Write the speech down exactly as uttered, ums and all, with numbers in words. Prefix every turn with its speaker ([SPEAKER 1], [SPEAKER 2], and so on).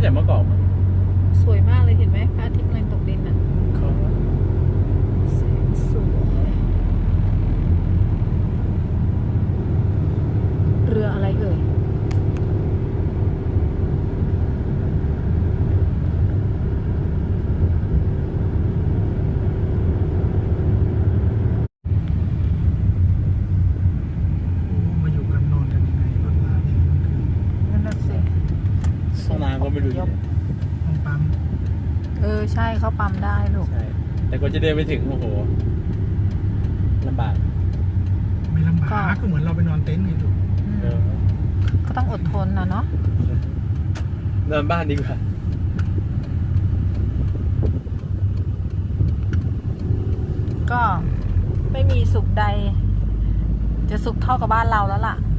[SPEAKER 1] แต่เมื่อก่อนมั้ง
[SPEAKER 2] สวยมากเลยเห็นไหมพระอาทิตย์กำลังตกดินอ่ะ
[SPEAKER 1] เขา
[SPEAKER 2] แสงสวยเรืออะไรเอ่ย
[SPEAKER 3] มาอยู่กันนอนกันยังไงรถมาเนี่ยมันคือ
[SPEAKER 2] นั่นน่ะสิ
[SPEAKER 1] ห้องน้ำก็ไม่รู้อยู่ไหน
[SPEAKER 3] ห้องปั๊ม
[SPEAKER 2] เออใช่เขาปั๊มได้ลูก
[SPEAKER 1] ใช่ แต่กว่าจะเดินไปถึงโอ้โหลำบาก
[SPEAKER 3] ไม่ลำบากก็เหมือนเราไปนอนเต็นท์ไงถูก
[SPEAKER 2] อืม
[SPEAKER 1] เออ
[SPEAKER 2] ก็ต้องอดทนนะเนาะ
[SPEAKER 1] นอนบ้านดีกว่า
[SPEAKER 2] ก็ไม่มีสุขใด จะสุขเท่ากับบ้านเราแล้วล่ะ